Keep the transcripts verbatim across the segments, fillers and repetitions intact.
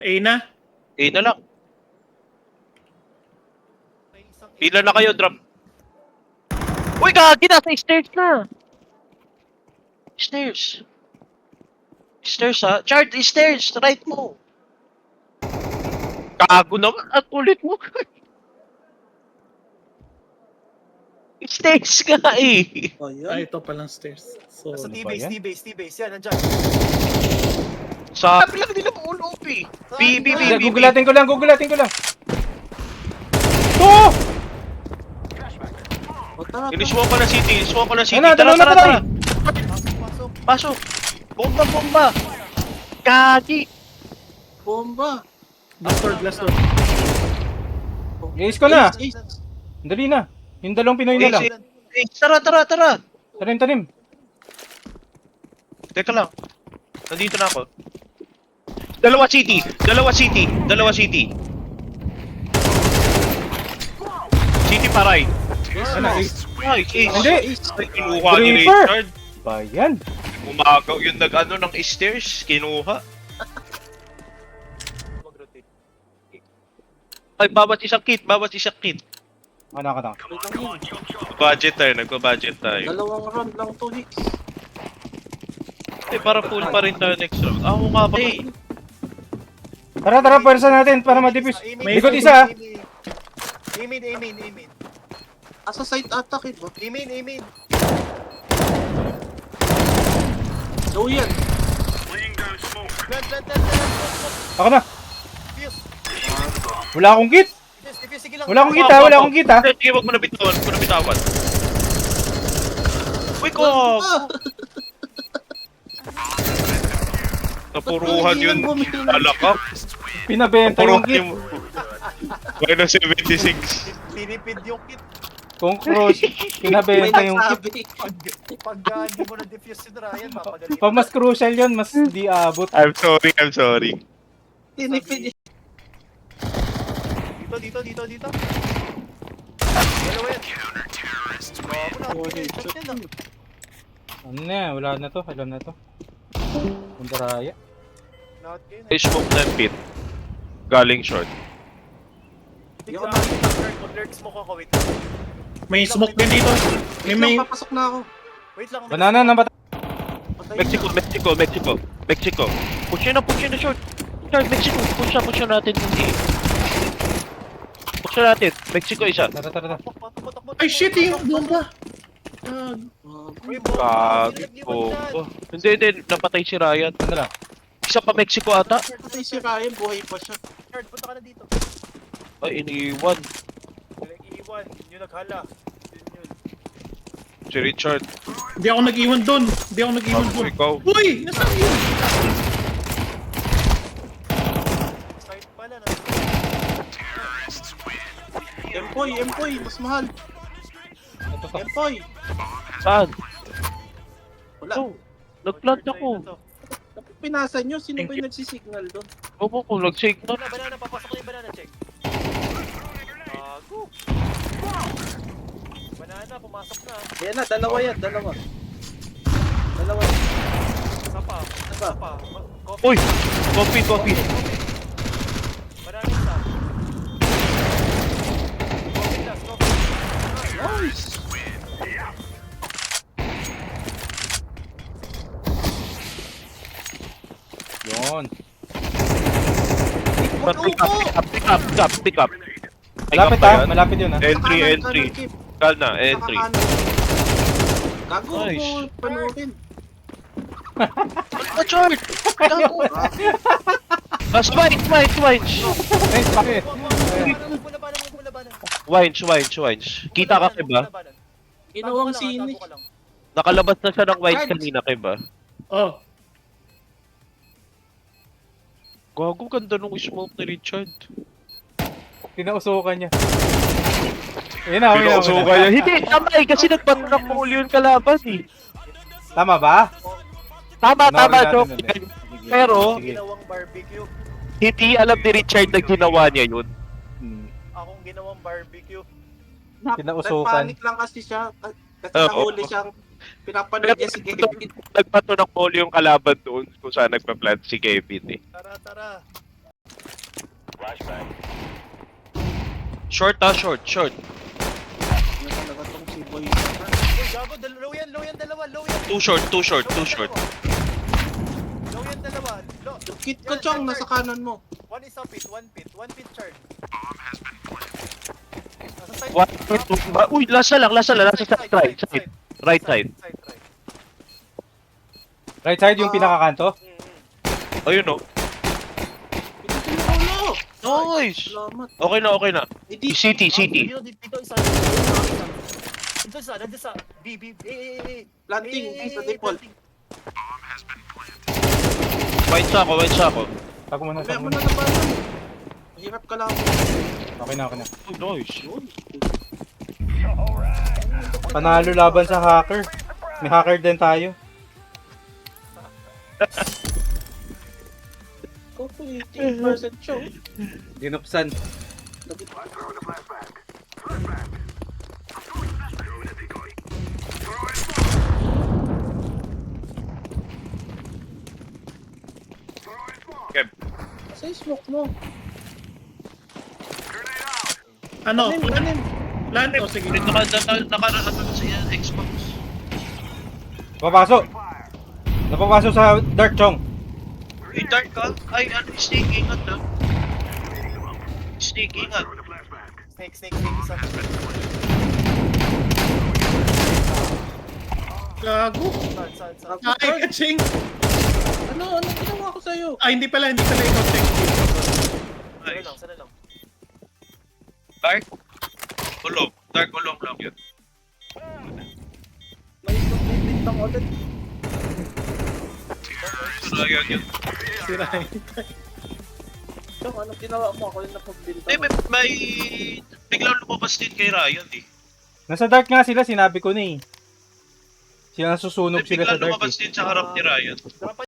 A na? A na lang. Pila na kayo, drop. Uy, gagi! Nasa stairs na! Stairs. Stairs, ha? Chart, stairs! Right mo! Kago naman! At ulit mo! Stairs nga eh! Oh, Ah, yun. ito palang stairs. So, Sa ano ba T-base, yan? T-base, T-base. Yan, nandyan. Sabi lang nila mo ulo, P. B, B, B, Hindi, B, B. gugulatin ko lang, gugulatin ko lang. To! O, tara, tara. Inismo ko na city, inismo ko na city. Ano, Tara, dalawa na tara, patay. tara! Pasok, pasok. Pasok! Bomba, bomba! Gagi! Bomba. Glass door, glass door. I-ace ko na. Ace, ace. Dali na. Yung dalawang Pinoy na lang. Eh, eh, tara, tara, tara! Tanim, tanim. Teka lang. Nandito na ako. Dalawa city! Dalawa city! Dalawa city! City paray! Ano, ace. Ay, ace! Hindi. Ay, kinuha ni Creeper. Richard. Bayan. Umagaw yung nag-ano ng stairs. Kinuha. Mag-rotate. Ay, bawat isang kit, bawat isang kit. Ano ka na? Wait lang yun. Budget tayo, nagpa-budget tayo. Dalawang round lang to, Hicks. Eh, para full pa rin tayo next round. Ako nga ba eh. Tara, tara, pwersa natin para ma-defuse. Ah, aiming, Likod aiming, isa, ah. aiming. Aiming, aiming, aiming. Asa side attack, eh, ba? Aiming, aiming. So, yan. Plant, plant, plant, plant, plant. Ako na. Defuse. Wala akong kit. Defuse, defuse. Sige lang. Wala akong kita, wala akong kita. Sige, wag mo na bitawan, wag mo na bitawan. Uy, ko! Ah! Napuruhan yun. Alakak. Pinabenta yung Napuruhan kit. yung... minus seventy-six. Tinipid yung kit. Kung cross, May pinabenta yung kit. nagsabi. Pag, pag uh, hindi mo na-defuse si Ryan, mapagalit. Pag mas crucial yun, mas di abot. I'm sorry, I'm sorry. Tinipid. Dito, dito, dito, dito. Dalawa yan. Bago na. Oh, Okay, headshot shot yan, yun. Ano na, wala na to, alam na to. Pundaraya. Lahat kayo. I smoke na pit. Galing short. Hindi ko nakita. Mag-lurk smoke ako. Wait lang. May smoke din dito. May Wait may... lang, papasok na ako. Wait lang. Banana na bata. Patay Mexico, na. Mexico, Mexico. Mexico. Push yun na, push yun na short. Short, Mexico. Push na, push na natin. Hindi. Push na natin. Mexico isa. Tara, tara, tara. Takbo, takbo, takbo, Ay, takbo, shit, takbo, yung takbo. bomba. Ah, Ah, Uy, bomba. Kagi Nilagyan po. mo dyan. Oh, hindi, hindi. Napatay si Ryan. Ano lang? Isa pa Mexico ata. patay si Ryan, buhay pa siya. Richard, punta ka na dito. Ay, iniwan. Walang iiwan. Yun yung naghala. Yun yun. Si Richard. Hindi ako nag-iwan doon. Hindi ako nag-iwan Ako, doon. ikaw. Uy! Nasaan yun? Side pala na. Empoy, Empoy, mas mahal. Ito to. Empoy. Saan? Wala. Oh, nag-plant ako. Dapat pinasa nyo, sino ba yung nagsisignal doon? Opo ko, nag-signal. Banana, banana. Papasok na yung banana. Check. Bago. Banana, pumasok na. Ayan na, dalawa yan, dalawa. Dalawa. Isa pa. Isa Isa pa. pa. Ma- Coffee. Uy! Coffee, coffee. Banana isa. Coffee last, coffee. Nice! Yun. Pick up, pick up, pick up, pick up, pick up, pick up. Pick up Malapit ba ah, yan? malapit yun ah. Entry, Kanan, entry. kanan, Kip. Kal na, entry. Nakakanan. Gago Nice. mo, panoorin. Ah, short! Gago! Ah, swines, swines, swines! Nice, bakit? Bulabanan, bulabanan. Wines, wines, wines. Kita ka, Kiba? Ginawang sini. Nakalabas na siya ng wines Guards. kanina, Kiba. Oh. Gago, ganda nung smoke ni Richard. Pinausukan niya. Ayun na, ayun na, Pinauso ayun na. kaya. Hindi, tama eh, kasi nagpatunang mo uli yung kalaban eh. Tama ba? Tama, tama, Panoorin Chok. natin ulit. Sige, Pero, sige. Ginawang barbecue. hindi alam ni Richard na ginawa niya yun. Hmm. Akong ginawang barbecue. Kinausukan. Nagpanik lang kasi siya. Kasi Oo. nahuli siyang pinapanood niya si Kevin. Nagpatunang mo uli yung kalaban doon kung saan nagpa-plant si Kevin eh. Tara, tara. Short ah, short, short. Ano talaga tong si Boy? Uy, gago, dal- low yan, low yan, dalawa, low yan. Too short, too short, Low too yan, short. dalawa. Low yan, dalawa. Low. Kit ko, Chong, nasa kanan mo. One is a pit, one pit, one pit charge. Nasa side. What? Ba- Uy, last na lang, last na lang, last na side, right side. Right side. Side, right. Right side yung pinakakanto. Mm, mm. Ayun oh. Pinutulo! Nice! Salamat. Okay na, okay na. Hindi. City, city. Dito, dito, dito, isa. Dito isa, dito isa. B, B, B, eh, eh, eh. Planting, Eh, sa eh, default. planting. White sa ako, white sa ako. Tago mo na, Kaya tago mo mo na na. nabalan. Mahirap ka lang. Okay na, okay na. Oh, nice. Yun. Panalo laban sa hacker. May hacker din tayo. Go to eighteen percent show. Dinupsan. Okay. Sa smoke mo. Ano? Anim, Plan? anim. Plan? O sige. Naka, naka, naka, naka, sa yan, Xbox. Papasok! Napapasok sa Dark Chong. Uy, dark ka? Ay, ano, snake, ingat ah. Snake, ingat. Snake, snake, snake, isa. Gago. Saan, saan, saan. Ay, kaching. Ano, ano ginawa ko sa'yo? Ay, hindi pala, hindi pala ikaw check. Sana Nice. lang, sana lang. Dark? Ulong. Dark ulong lang yun. May isang bibintang ulit. Surayan yun. Sirahin. Chong, anong ginawa mo? Ako yung napagbintang. Eh, may, may... Biglang lumabas din kay Ryan eh. Nasa Dark nga sila, sinabi ko na eh. Sila nasusunog Eh, sila sa biglang Dark lumabas eh. din sa harap ni Ryan. Dapat.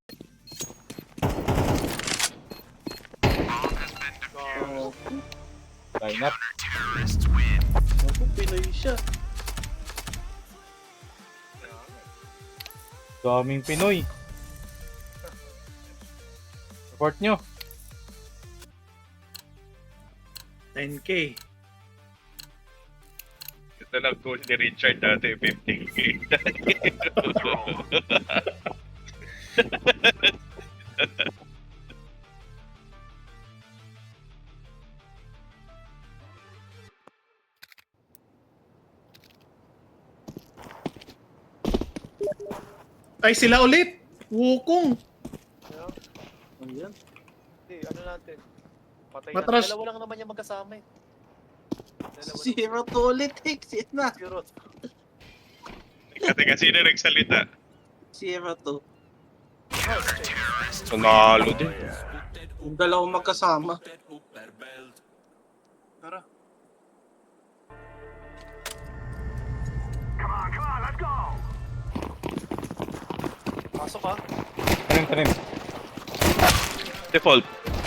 Oh, Line up. ako, Pinoy siya. Daming Pinoy. Support nyo. ten K. Ito lang goal ni Richard dati, fifteen K. Ay, sila ulit. Wukong. Ayan. Hindi, ano natin. Patay Matras. na. Dalawa lang naman yung magkasama eh. Dalawa lang. Zero to ulit, Hicks. Yan na. Zero. Teka, teka, sino nagsalita? Zero to. Nanalo din. Yung dalawang magkasama. Tara. Pasok ha. Tanim, tanim. Default.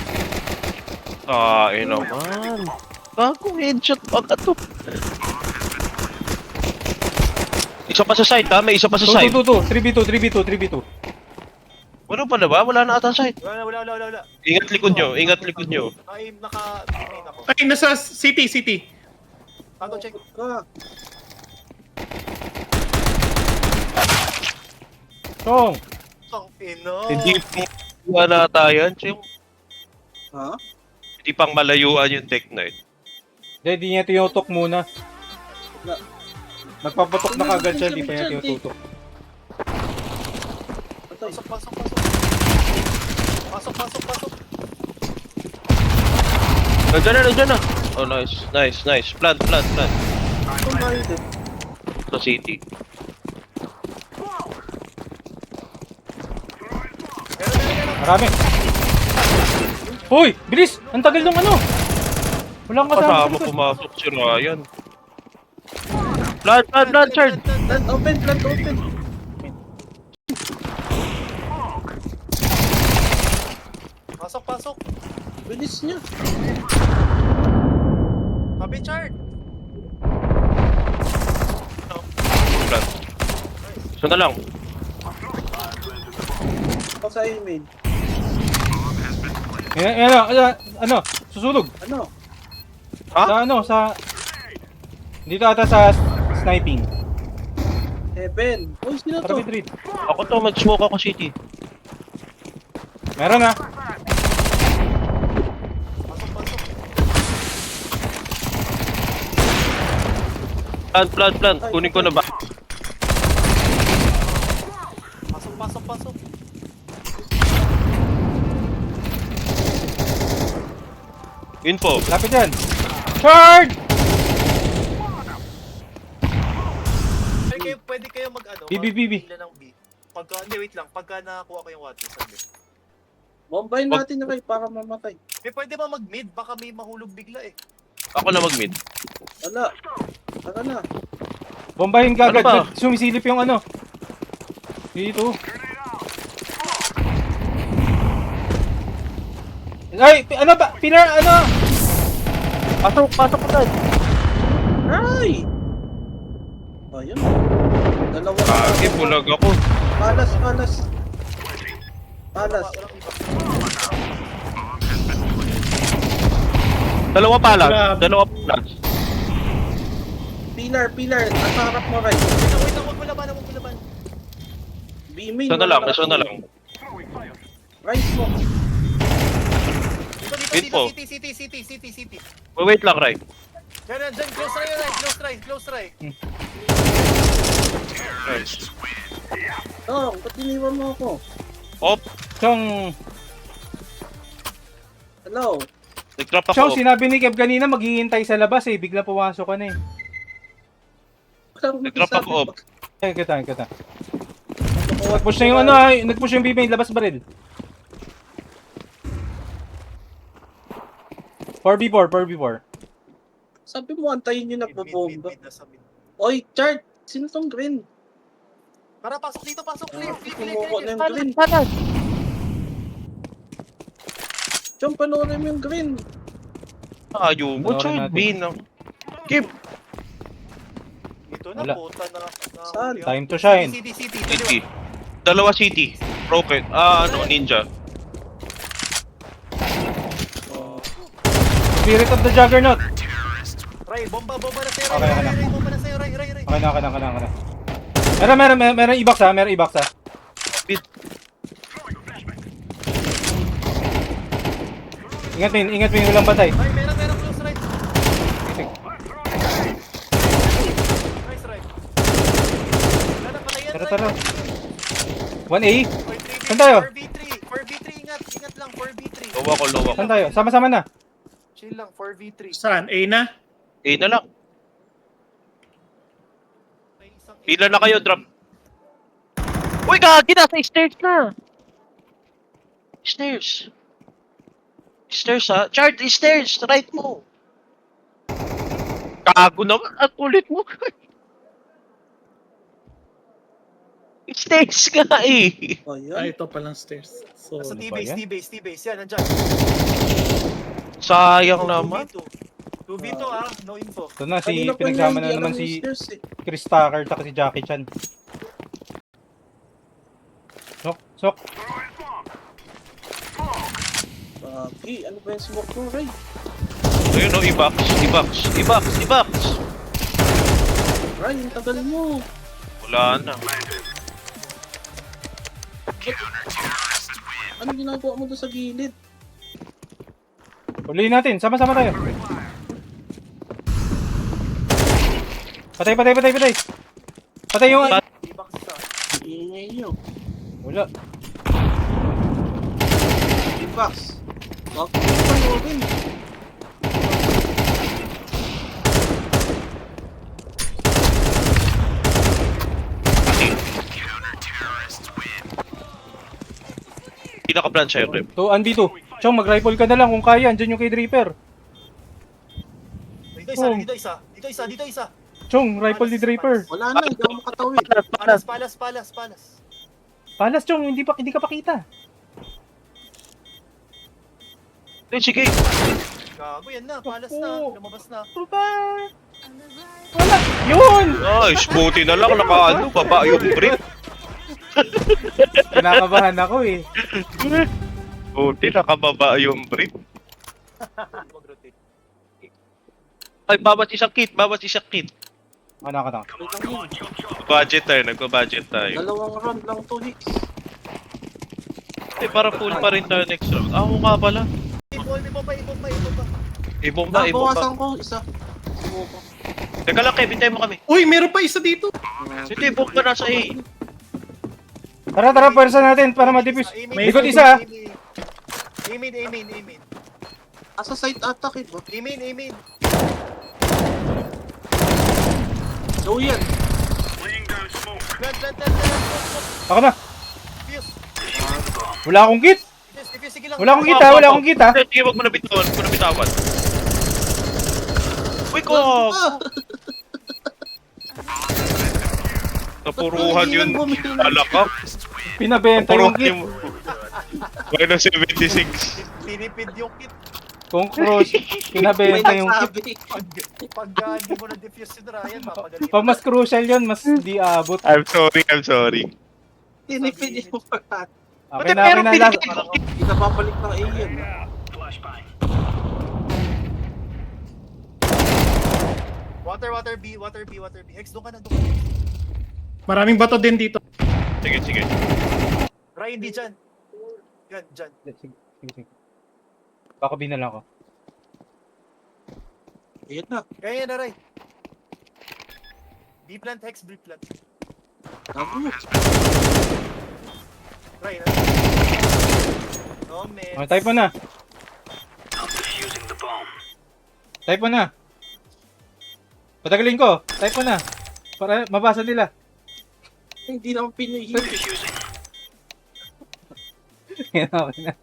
Ah, eh naman. Bagong headshot pa ka to. Isa pa sa side ha, may isa pa sa two, side. two, two, two. three v two, three v two, three v two. Wala pa na ba? Wala na ata side. Wala, wala, wala, wala, wala. Ingat likod nyo, ingat likod nyo. Ay, naka-main ako. Ay, nasa city, city. Tato, check. Ka. Chong! Ang ino. Hindi pang na tayo. Yung Ha? hindi pang malayuan yung Tech Knight. Hindi, di niya tinutok muna. Wala. Nagpapatok na kagad siya, di pa niya tinututok. Patay. Pasok, pasok, pasok. Pasok, pasok, pasok. Nandiyan na, nandiyan na. Oh, nice, nice, nice. Plant, plant, plant. Itong bahay din. Sa city. Marami! Hoy! Bilis! Ang tagal ng ano! Walang kasama sa Kasama likod. pumasok si Ryan. Plant, plant, plant, Chard. Plant open, plant open. Pasok, pasok. Bilis niya. Happy chart. Plant. So na lang. Ako sa main. Eh, eh, ano, ano, ano, susunog. Ano? Ha? Sa ano, sa... Dito ata sa s- sniping. Heaven. Uy, sino Tara, to? mid read. Ako to, mag-smoke ako city. Meron na. Pasok, pasok. Plant, plant, plant. Kunin ko na ba? Pasok, pasok, pasok. Info. Lapit yan. Charge! Pwede kayo, pwede kayo mag ano, B, B, B, B. mag-pila ng B. Pagka, hindi, wait lang. Pagka nakakuha ko yung water, sabi. Bombayin natin na kayo para mamatay. May pwede ba mag-mid? Baka may mahulog bigla eh. Ako na mag-mid. Wala. Tara na. Bombahin ka Ano agad. ba? Sumisilip yung ano. Dito. Ay, pi- ano ba? Pinar, ano? Pasok, pasok ko tayo. Ay! Ayun. Dalawa. Kagi, bulag ako. Palas, palas. Palas. Walang iba. Dalawa pala. Grabe. Dalawa pala. Pilar, pilar. Nasa harap mo, Ray. Wait lang, wait lang. Huwag mo laban, huwag mo laban. Beaming. Isa na lang, isa na lang. Rise mo. Dito, dito, Info. dito. City, city, city, city, city. Wait lang, Ray. Yan, yan, dyan. Close try, right? Close try, close try. Nice. Oh, ba't iniwan mo ako? Op. Chong, Hello. Nag-drop ako. Chong, sinabi ni Kev kanina maghihintay sa labas eh. Bigla pumasok ka na eh. Walang Nag-drop magsasabi. ako, op. Ay, kita, kita. Nag-push na yung ano ay, nag-push yung B-main, labas baril. four v four, four v four. Sabi mo, antayin nyo Mid, mid, mid, nagbobomba. mid, nasa mid. Oy, Chart! Sino tong green? Tara, pasok dito, pasok. Clear, clear, clear, Kumuha na clear. yung green. Chong, panoorin mo yung green. Ayaw mo, Panoorin child. natin. Bin. Keep. Dito na, Wala. puta na. na Saan? Time to shine. City, city, City. city. Dalawa city. Rocket. Ah, ano, ninja. Spirit of the Juggernaut. Ray, bomba, bomba na sa'yo, Okay, Ray, okay Ray, na. Ray, bomba na sa'yo, Ray, Ray, Ray. Okay na, okay na, okay na, okay na. Meron, meron, meron, meron i-box ha, meron i-box ha. Bit. Ingat mo, yun, ingat mo yung ulang batay. Ray, meron, meron, close right. Nice, Ray. Wala na pala yan, Tara, Ray. tara. one A? four v three, Saan tayo? four v three, four v three, ingat, ingat lang, four v three. Low ako, low ako. Saan tayo? Sama-sama na. Chill lang, four v three. Saan? A na? Eh na lang. May isang Pila na kayo, drop. Uy, gagi na! Sa stairs na! Stairs. Stairs ha? Chart, stairs! Right mo! Kago naman! At ulit mo! Stairs nga eh! Oh, Ah, yun. ito palang stairs. So, Nasa Ano ba T-base, yan? T-base, T-base. Yan, nandyan. Sayang naman. two v two ah, no info. Ito na, si, Kanina pa pinagsama niya, na hindi naman alam si yung stairs, eh. Chris Tucker at si Jackie Chan. Sok, sok. Bagi, ano ba yung smoke mo, Ray? Ayun o, i-box, i-box, i-box, i-box! Ray, yung tagal mo. Wala na. Ano ginagawa mo doon sa gilid? Ulihin natin, sama-sama tayo. Patay, patay, patay, patay. Patay yung... D-box isa. Iingay nyo. Wala. D-box. Bakit mo panoorin? Pinaka-plan siya, Rep. two one v two. Chong, mag-rifle ka na lang kung kaya. Andyan yung kay Draper. Dito isa, Oh. dito isa. Dito isa, dito isa. Chong, rifle ni Draper. Wala na, hindi ako makatawid. Palas, palas, palas, palas. Palas, Chong, hindi pa hindi ka pakita. Eh, sige. Gago, yan na. Palas na. Ako. Lumabas na. Puta. Wala. Yun! Nice, buti na lang naka-ano, baba yung brick. Kinakabahan ako eh. Buti nakababa yung brick. Mag-rotate. Ay, bawat isang kit, bawat isang kit. Ano ako, ano? Wait lang yun. Budget tayo, nagpa-budget tayo. Dalawang round lang to, Hicks. Eh, para full pa rin tayo next round. Ah, oo nga pala. Ibon, ibon pa, ibon pa, ibon pa. Ibong ba, ibong ba. Nabawasan ko, isa. Sumuko. Teka lang, Kevin, tayo mo kami. Uy, meron pa isa dito. Ito, ibong ba nasa A? Tara, tara, pwersa natin para ma-defuse. Ah, May- Likod isa, ah. Amin, amin, amin. Asa side attack, eh, ba? Amin, amin. Low yan. Plant, plant, plant, plant. Ako na. Defuse. Wala akong kit. Defuse, defuse, sige lang. Wala akong kita, wala akong kita. Sige, sige, wag mo na bitawan, wag mo na bitawan. Uy, ko! Ah! Napuruhan yun. Alakap. Pinabenta yung Napuruhan kit. yung... Minus seventy-six. Tinipid yung kit. Kung cross, pinabenta May yung kit. nagsabi. Pag, pag ah, hindi mo na-defuse yun, Ryan, mapagaling. Pag mas crucial yun, mas di abot. I'm sorry, I'm sorry. Tinipid yung pagkat. Okay na, okay na. Last, Hindi na babalik ng A yan. Water, water B, water B, water B. X, doon ka na, doon ka na. Maraming bato din dito. Sige, sige. Ryan, di dyan. Yan, dyan. sige, sige, sige. Baka binala ko. Ayan na. Kaya yan na, Ray. B plant, Hex, B plant. Tago. Ray, na. No, man. Oh, type mo na. Type mo na. Patagalin ko. Type mo na. Para mabasa nila. Hindi naman Pinoy. Yan, okay na.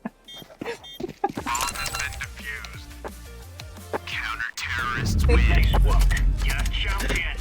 Counter-terrorists win. You're champion.